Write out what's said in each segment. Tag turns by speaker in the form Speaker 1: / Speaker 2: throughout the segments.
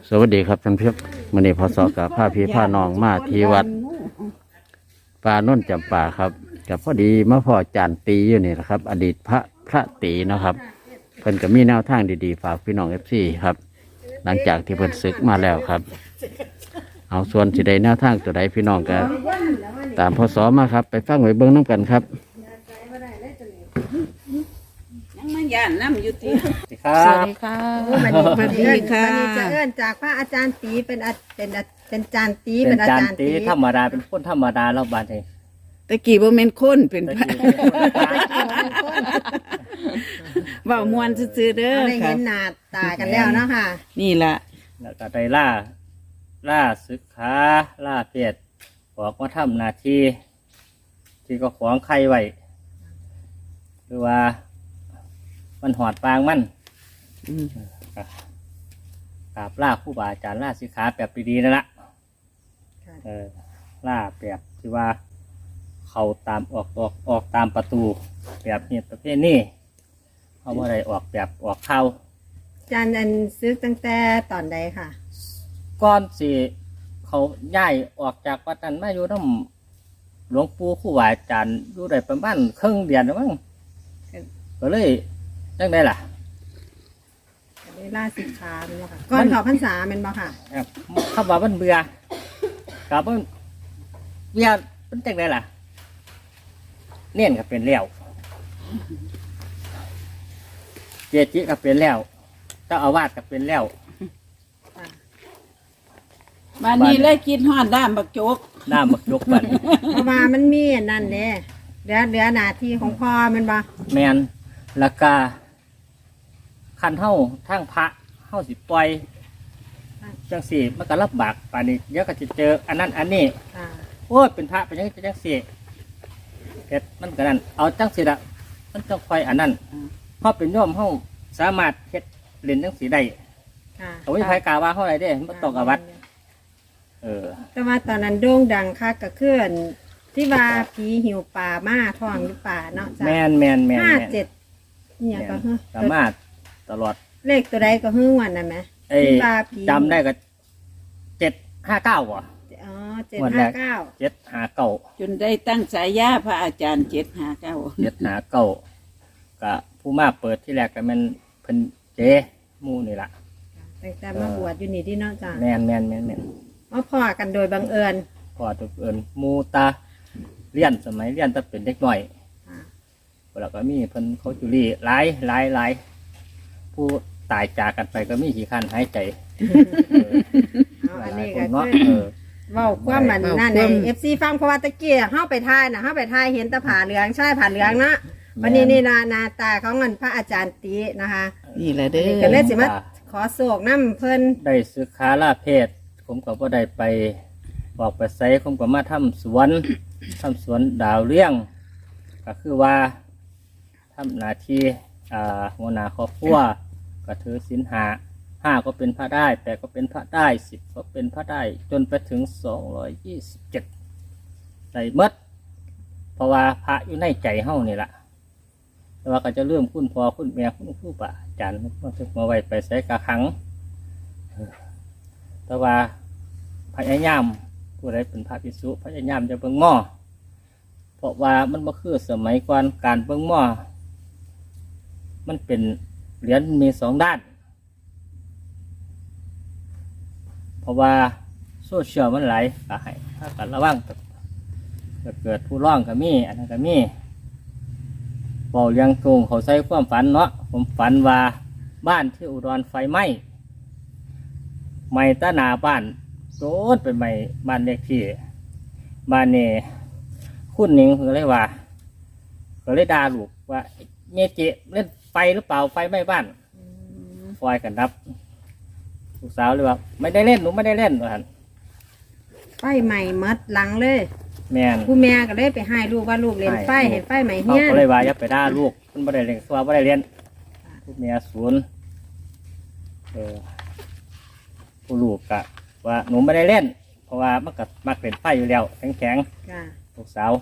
Speaker 1: สวัสดีครับท่านผู้ชมมื้อนี้พศกับพาพี่พาน้องมาที่วัดป่าโน่นจำป่าครับกับพอดีมาพ่อจานตีอยู่นี่นะครับ อดีตพระตีนะครับเพิ่นก็มีแนวทางดีๆฝากพี่น้องFCครับ หลังจากที่เพิ่นศึกมาแล้วครับ เอาส่วนสิได้แนวทางตัวใดพี่น้องก็ตามพศมาครับ ไปฟังไว้เบิ่งน้ำกันครับ
Speaker 2: ยังมันย่านน้ำอยู่ที่
Speaker 1: ครั
Speaker 3: สวัส
Speaker 1: บ
Speaker 3: ดีค่ะ
Speaker 4: มันนี่มันนี่
Speaker 3: ค่ะ
Speaker 4: จะเอื้อนจากพระอาจารย์ตีเป็นจานตี
Speaker 5: เป็
Speaker 4: เป็น นอา
Speaker 5: จาน
Speaker 4: จารย์
Speaker 5: ตี
Speaker 4: ตี
Speaker 5: ธรรมดาเป็นคนธรรมดาเราบาดเอง
Speaker 2: ตะกี้บ่แม่นคนเป็น
Speaker 5: ตะ
Speaker 2: พระ
Speaker 5: กี้เป็นคนตาย
Speaker 2: เว้ามวนซื่อๆเด้อ
Speaker 4: ได้
Speaker 2: ค่ะ
Speaker 4: เห็นหน้าตากันแล้วเนาะค่ะ
Speaker 2: นี่ล่ะ
Speaker 5: แล้วก็ได้ล่าศึกขาล่าเพศออกมาทำหน้าที่ที่ก็ขวางใครไว้หรือว่ามันหอดปางมันกราบล่าครูบาอาจารย์ล่าศึกขาแบบดีๆนั่นละ
Speaker 4: ค่ะ
Speaker 5: ล่าแบบที่ว่าเขาตามออกตามประตูแบบนี้ประเภทนี้เขาว่าอะไรออกแบบออกเข้า
Speaker 4: อาจารย์อันซื้อตั้งแต่ตอนใดค่ะ
Speaker 5: ก้อนสิเขาย้ายออกจากวัดนั้นมาอยู่น้ำหลวงปู่ครูบาอาจารย์อยู่ได้ประมาณครึ่งเดือนแล้วมั้งก็เลยจังได้ล่ะ
Speaker 4: ได้ล่าสิกขาเป็นบ่ค่ะก่อนเขอพรรษาเป็นบ่ค่ะ
Speaker 5: เขาบอกมันเบื่อกับมันเบื่อมันจังได้ล่ะเน่นก็เป็นแล้วเจจิก็เป็นแล้วเจ้าอาวาสก็เป็นแล้ว
Speaker 2: มานี่เลยกินฮอดด้ามบักโจก
Speaker 5: น้ำมักยกบัน
Speaker 4: เพราะว่ามันมีอันนั่นเด้เหลือหน้าที่ของพ่อแมันบ่
Speaker 5: แมนแล้วก็คันเท่าทั้งพระเท่าสิปล่อยจังสี่มันก็รับบากป่านนี้เดี๋ยวก็จะเจออันนั้นอันนี้
Speaker 4: ค่ะ
Speaker 5: โอ้ยเป็นพระเป็นยังจังสี่เฮ็ดมันก็นั่นเอาจังสี่ละมันต้องคอยอันนั้นเพราะเป็นโยมเฮาสามารถเฮ็ดเรียนจังสี่ได้
Speaker 4: ค่ะ
Speaker 5: เอาไว้ใครกล่าวว่าเท่าไรเด้มันตกอาวัด
Speaker 4: แต่ว่าตอนนั้นโด่งดังค่ะก็คืออันที่ว่าผีหิวป่ามาท้องหรือป่าเนาะจ้ะ
Speaker 5: แมน
Speaker 4: 57เนี่ยก็คือ
Speaker 5: สามารถตลอด
Speaker 4: เลขตัวใดก็คือวันนั้นไหม
Speaker 5: เอ้ย
Speaker 4: ที่ว่าผี
Speaker 5: จำได้ก็759ว่ะ
Speaker 4: อ๋อ759
Speaker 5: 759
Speaker 2: จนได้ตั้งสายยาพระอาจารย์759
Speaker 5: 759ก็ผู้มาเปิดที่แรกก็แมันเพิ่นเจหมู่นี่ล่ะ
Speaker 4: ตั้งแต่มาบวชอยู่นี่ที่เนาะจ้ะ
Speaker 5: แม่น
Speaker 4: มาพ่อกันโดยบังเอิญ
Speaker 5: พอทุกเอิญหมู่ตาเรียนสมัยเรียนแตะเป็นเด็กน้อย
Speaker 4: อ่า
Speaker 5: แล้วก็มีเพิ่นเขาจุลีหลายผู้ตายจากกันไปก็มีขี้คันหายใจ
Speaker 4: เอาอันนี้ก็
Speaker 5: เนาะ
Speaker 4: คือเว้าความมันนั่นในFC ฟังเพราะว่าตะกี้เฮาไปถ่ายน่ะเฮาไปถ่ายเห็นแตะผาเหลืองใช่ผาเหลืองนะวันนี้นี่หน้าตาของเงินพระอาจารย์ตีนะคะ
Speaker 2: นี่แหละเด้
Speaker 4: ก็เลย
Speaker 2: อ
Speaker 4: สิมาขอโศกน้ำเพิ่น
Speaker 5: ได้ศึกษาลาเพศผมก็บ่ได้ไปบอกไปไสผมก็มาทำสวนดาวเลี้ยง ก็คือว่าทำหน้าที่หัวหน้าครอบครัวก็ถือศีล5ก็เป็นพระได้8ก็เป็นพระได้10ก็เป็นพระได้จนไปถึง227ได้หมดเพราะว่าพระอยู่ในใจเฮานี่ล่ะแต่ว่าก็จะเริ่มคุณพ่อคุณแม่คุณครูบาอาจารย์มาถึงมาไว้ไปใส่กระขังแต่ว่าพยายามผู้ใดเป็นพระภิกษุพยายามจะเบิ่งหม้อเพราะว่ามันบ่คือสมัยก่อนการเบิ่งหม้อมันเป็นเหรียญมี2ด้านเพราะว่าโซเชียลมันหลายก็ให้ถ้ากันระวังจะเกิดผู้ร้องก็มีอันนั้นก็มีบอกเลี้ยงตรงเขาใส่ความฝันเนาะผมฝันว่าบ้านที่อุดรไฟไหม้ตะหนาบ้านโดนเป็นไหม้บ้านเลขที่บ้านนี่คุณหนิงก็เลยว่าก็เลยด่าลูกว่าเมเจเล่นไฟหรือเปล่าไฟไหม้บ้านไฟกันดับลูกสาวเลยว่าไม่ได้เล่นหนูไม่ได้เล่นว่าหั่น
Speaker 4: ไฟใหม่มัดหลังเลย
Speaker 5: แม่น
Speaker 4: ผู้แม่ก็เลยไปให้ลูกว่าลูกเล่นไฟเห็นไฟใหม่
Speaker 5: เขา
Speaker 4: เฮียน
Speaker 5: ก็เลยว่าอย่าไปด่าลูกมันไม่ได้เรียนตัวไม่ได้เรียนผู้เมียศูนย์ผู้ลูกกะว่าหนูไม่ได้เล่น เพราะว่ามันก็มักเล่นไฟอยู่แล้วแข็ง
Speaker 4: จ้ะ
Speaker 5: ลูกสาว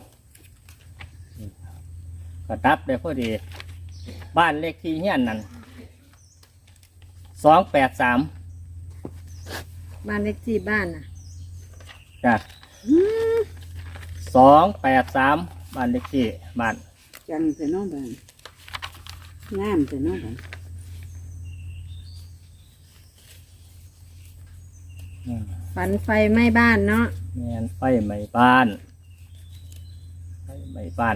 Speaker 5: ก็ดับได้พอดี บ้านเลขที่เฮียนนั่น283
Speaker 4: บ้านเลขที่บ้านน่ะ
Speaker 5: จ้ะ283บ้านเลขที่บ้าน
Speaker 2: จังแต่น้องบ้านงามแต่น้องบ้าน
Speaker 4: ฝันไฟไหม้บ้านเนาะ
Speaker 5: แม่นไฟไหม้บ้านไฟไหม้บ้าน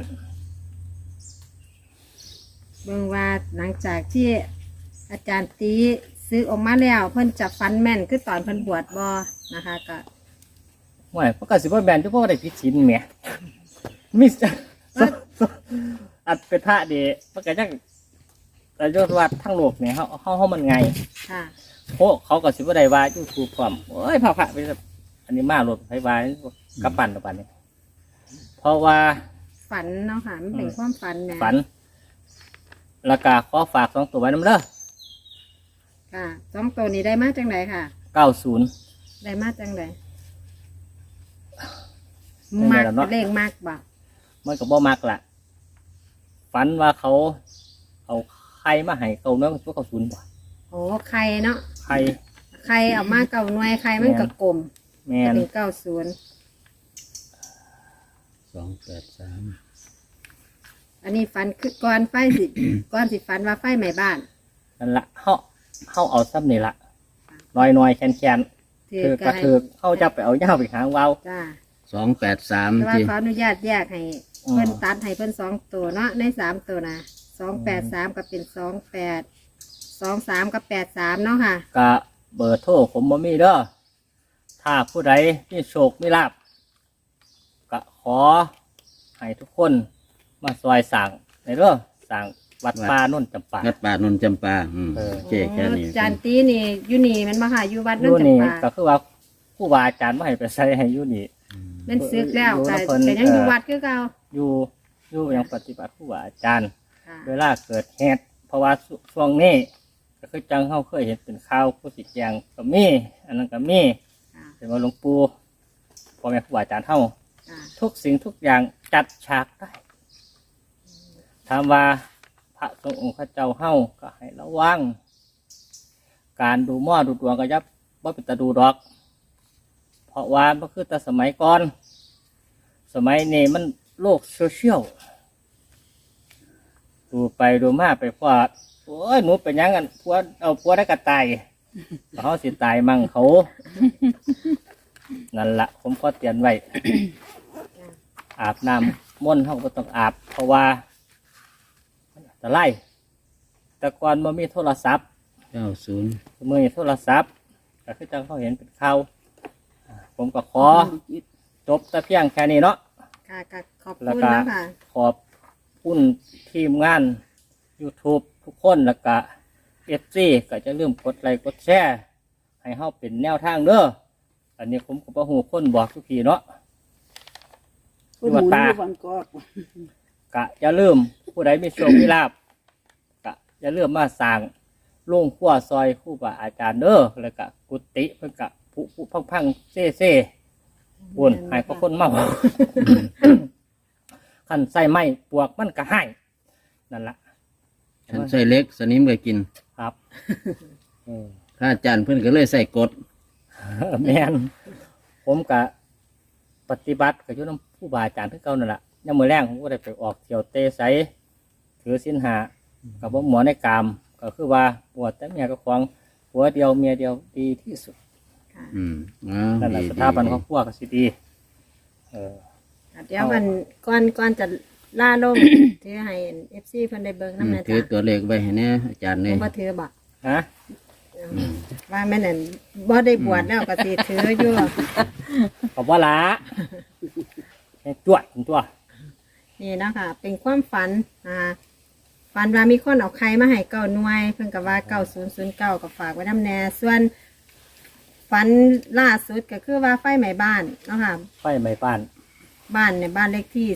Speaker 4: เบิ่งว่าหลังจากที่อาจารย์ตีซื้อออกมาแล้ว เพิ่นจะฝันแม่นคือตอนเพิ่นบวชบ่นะคะก็
Speaker 5: ห่วยเพราะกสิบ่แม่นทุกพวกได้ผิดศีลแหมมิสอัดเป็นพระเดมันก็จังแต่ยศวัดทั้งโลกเนี่ยเฮามันไง
Speaker 4: ค่ะ
Speaker 5: โอ้เขาก็สิบ่ได้ว่า YouTube พร้อมโอ้ยพระไปอันนี้มาโลดไผว่ากับปั่นกับปั่นนี่เพราะว่า
Speaker 4: ฝันเนาะค่ะมันเป็นความฝันแหม่
Speaker 5: ฝันแล้วก็ขอฝาก2ตัวไว้นำเด้อ
Speaker 4: ค่ะสองตัวนี้ได้มาจังไดค่ะ
Speaker 5: 90
Speaker 4: ได้มาจังได
Speaker 5: ไม่
Speaker 4: มั
Speaker 5: ได้
Speaker 4: ก
Speaker 5: แล้วเนาะ
Speaker 4: เลขมากบ่
Speaker 5: มันก็บ่มักล่ะฝันว่าเขาเอาไข่มาให้เก่าเนื้อพวกเขาศูนย์บ่
Speaker 4: โอ้ไข่เนาะ
Speaker 5: ไข่
Speaker 4: ไข่เอามาเก่าหน่วยไข่มันก็กลม
Speaker 5: แม่
Speaker 4: จะ
Speaker 5: น
Speaker 4: เป็น90
Speaker 1: 283
Speaker 4: อันนี้ฝันคือก่อนไฟสิ ก่อนสิฝันว่าไฟไหม้บ้าน
Speaker 5: นั่นละเฮาเอาซ้ำนี่ละน้อยๆแคน
Speaker 4: ถื
Speaker 5: ๆถือกระ
Speaker 4: ให้
Speaker 5: ถือเฮาจะไปเอาเหย้าไปหางเว้า
Speaker 4: จ้า
Speaker 1: 283
Speaker 4: แต่ว่า
Speaker 1: ที่
Speaker 4: ขออนุญาตแยกให้
Speaker 5: อืม
Speaker 4: เพิ่นตัดให้เพิ่น2ตัวเนาะใน3ตัวนะ283ก็เป็น28 23กับ83เนาะค่ะ
Speaker 5: กะเบอร์โทรผมบ่มีเด้อถ้าผู้ใดมีโชคมีลาภก็ขอให้ทุกคนมาซอยสั่งในเด้อสั่งวัดป่าโน่นจำปา
Speaker 1: วัดป่านนจำปาโอเคแค่นี้
Speaker 4: จานตีนี่อยู่นี่แมันมาค่ะอยู่วัด
Speaker 5: อ
Speaker 4: นั่น
Speaker 5: ยู่
Speaker 4: จั
Speaker 5: นี่
Speaker 4: งปา
Speaker 5: ก็คือว่าครูบาอาจารย์มาให้ไปใส่ให้อยู่นี่
Speaker 4: แมันซึกแล้ว
Speaker 5: อยู่
Speaker 4: ก็
Speaker 5: นำเพิ่น
Speaker 4: แต่ยังอยู่วัดคือเก่า
Speaker 5: อยู่ยังปฏิบัติครูบาอาจารย์
Speaker 4: ค่ะ
Speaker 5: เวลาเกิดเหตุเพราะว่าช่วงนี้ก็คือจังเขาเคยเห็นเป็นข่าวผู้สิแจงก็มีอันนั้นก็มี
Speaker 4: ค่ะ
Speaker 5: เป็นว่าหลวงปู่พ่อแม่ครูบาอาจารย์เฮา
Speaker 4: ค่ะ
Speaker 5: ทุกสิ่งทุกอย่างจัดฉากได้ถามว่าพระสงฆ์องค์ข้าเจ้าเฮาก็ให้ระวังการดูหม้อดูดวงก็ยับว่าเป็นตาดูดอก เพราะว่ามันคือแต่สมัยก่อน สมัยนี้มันโลกโซเชียลดูไปดูมาไปพอดโอ้ยหนูเป็นหยังกันพัวเอาพัวได้กระตายเขาสิตายมั่งเขา นั่นละผมก็เตือนไว้ อาบน้ำม่นต์เขาก็ต้องอาบ เพราะว่าจะไล่แต่ก่อนมันมีโทรศัพท์
Speaker 1: 90
Speaker 5: เมื่อมีโทรศัพท์ก็คือจังเขาเห็นเป็นข่าวผมก็ขอจบแต่เพียงแค่นี้เนาะ
Speaker 4: ค่ะก็ขอบ
Speaker 5: แล้ว
Speaker 4: คุณ
Speaker 5: ก็
Speaker 4: นะค่ะ
Speaker 5: ขอบคุณทีมงาน YouTube ทุกคนแล้วก็FC ก็จะลืมกดไลค์กดแชร์ให้เฮาเป็นแนวทางเด้ออันนี้ผมก็บ่ฮู้คนบอกทุกทีเนาะ
Speaker 2: ผู้หมุนอยู่บางกอก
Speaker 5: กะอย่าลืมผู้ใดมีโชคมีลาภกะอย่าลืมมาสั่งลงขั้วซอยครู่บาอาจารย์เด้อแล้วก็กุฏิเพิ่นกะผู้พังเซ่บุญให้พวกคนเมา ขันใส่ไม้ปวกมันก็ให้นั่นละ
Speaker 1: ฉันใส่เล็กสนิมก็กิน
Speaker 5: ครับ
Speaker 1: พระอาจารย์เพิ่นก็เลยใส่กฎ
Speaker 5: แม่นผมกะปฏิบัติกับยุน้ำผู้บาอาจารย์ที่เก่านั่นแหละยังมือแรงผมก็ได้ไปออกเที่ยวเตะไสถือสินหากับว่าหมอในกามก็คือว่าปวดแต่เมียก็ควงหัวเดียวเมียเดียวดีที่สุด
Speaker 1: อืม
Speaker 5: นั่นแหละสถาบันครอบครัวก็สิดีเออ
Speaker 4: เดี๋ยวมันก่อนจะล่าลง ถือให้ FC เพิ่นได้เบิ่งนำนะ
Speaker 1: ถือ
Speaker 4: จ๊ะ
Speaker 1: ตัวเลขไว้ให้แน่อาจารย์
Speaker 4: ผ
Speaker 1: เลย
Speaker 4: มบ่ถือบ่
Speaker 5: ฮะ
Speaker 4: ว่าแม่นั่นบ่ได้บวชแล้วก็สิถืออยู่
Speaker 5: ขอบว่าละให้ตัวตัว
Speaker 4: นี่เนาะค่ะ เป็นความฝันฝันว่ามีคนเอาไข่มาให้เก้าหน่วย เพิ่นก็ว่า9009ก็ฝากไว้นำแน่ส่วนฝันล่าสุดก็คือว่าไฟไหม้บ้านเนาะค่ะ
Speaker 5: ไฟไหม้บ้าน
Speaker 4: บ้านเนี่ยบ้านเลขที่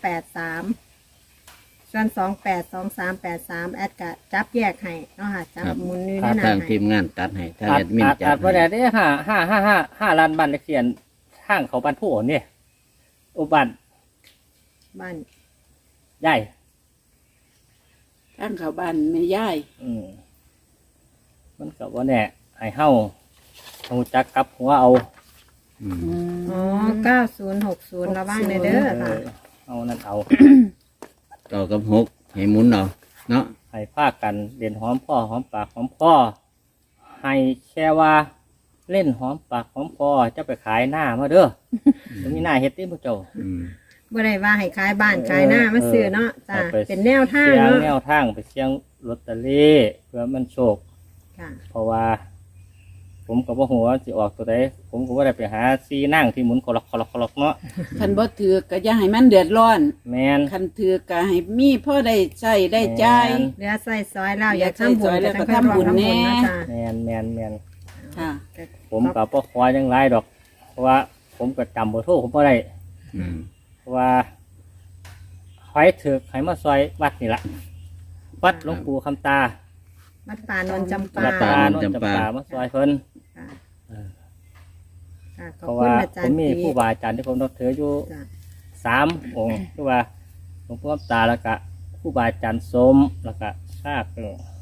Speaker 4: 283ส่วน282383แอดก็จับแยกให้เนาะค่ะจับหมุนนี่
Speaker 1: ถ้า
Speaker 4: แน่
Speaker 1: ทาง
Speaker 4: ให้
Speaker 1: ทีมงานตัดให้ถ้า
Speaker 5: อา
Speaker 1: แอ
Speaker 5: จ
Speaker 1: ดมิน
Speaker 5: อาจ
Speaker 1: จั
Speaker 5: อา
Speaker 1: ด
Speaker 5: จว่า
Speaker 1: ให้
Speaker 5: ได้5 ล้านบ้านเลขที่ทางเขาบ้านผู้อ่อนเนี่ยอุบัน
Speaker 4: บ้าน
Speaker 5: ใหญ่
Speaker 2: ทางเขาบ้านแม่ย่าย
Speaker 5: มันกับว่าแน่ให้เฮาหูจักกลับหัวเอา
Speaker 1: อืม
Speaker 4: อ๋อ9060ระวังเด้อค่ะ
Speaker 5: เอานั่นเอา
Speaker 1: ต่อกับหกให้หมุนเอาเนาะ
Speaker 5: ให้พากันเล่นหอมพ่อหอมปากหอมพ่อให้แค่ว่าเล่นหอมปากหอมพ่อจะไปขายหน้ามาเด้อจะมีหน้าเฮ็ดที่พวกเจ้า
Speaker 1: อืม
Speaker 4: บ่ได้ว่าให้ขายบ้านขายหน้ามาซื้อเนาะจ้ะ
Speaker 5: เอาไป
Speaker 4: เป็นแนวทาง
Speaker 5: เสียง
Speaker 4: เนาะ
Speaker 5: แนวทางไปเสียงลอตเตอรี่เพื่อมันโชค
Speaker 4: ค่ะ
Speaker 5: เพราะว่า ผมกับว่าหัวาสิออกตัวใดผมก็ว่าได้ไปหาซีนั่งที่หมุนคลอกคลอกคลอกเนาะ
Speaker 2: คันบ่ถือก็อย่าให้มันเดือดร้อน
Speaker 5: แมน
Speaker 2: คันถือก็ให้มีพ่อได้ใช้ได้จ่าย
Speaker 4: เหลือใส่ซอยแล้ว
Speaker 2: เหลื
Speaker 4: อยา
Speaker 2: อก
Speaker 4: ทำบุญ
Speaker 2: ใส่ซอยแล้ว
Speaker 4: ก็
Speaker 2: ก็ทำบุญแน่
Speaker 4: เนาะจ้ะ
Speaker 5: แมนแมนแมน
Speaker 2: ค่ะ
Speaker 5: ผมกับพ่อคอยยังไรดอก เพราะว่าผมก็จำบ่โทษผมบ่ได้
Speaker 1: อืม
Speaker 5: เพราะว่าไฟถือไขมาซอยวัดนี่ละวัดหลวงปู่คำตา
Speaker 4: วัดป่านนท์จำปา
Speaker 5: วัดตาโนนจำปามาซอยเพิ่น
Speaker 4: ค่ะค่ะข
Speaker 5: เพ
Speaker 4: อบ
Speaker 5: ราะ
Speaker 4: คุณ
Speaker 5: ว่า
Speaker 4: อาจา
Speaker 5: ผ
Speaker 4: ร
Speaker 5: ม
Speaker 4: ย์
Speaker 5: มี
Speaker 4: ตี
Speaker 5: ผู้บาอาจารย์ที่ผมนับถืออยู่
Speaker 4: จ้ะ
Speaker 5: 3 องค์คือว่าหลวงปู่คำตาแล้วก็ผู้บาอาจารย์สมแล้วก็ชาติ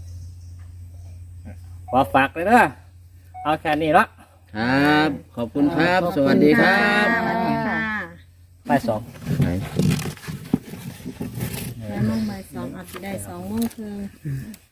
Speaker 5: ขอฝากเลยนะเอาแค่นี้ละ
Speaker 1: ครับ ขอบคุณครับ สวัสดีครับ
Speaker 4: สวัสดีค่ะ
Speaker 5: ไปสอง
Speaker 1: ไหน
Speaker 4: แล้วโมงบ่าย2อาจจะได้2 โมงครึ่ง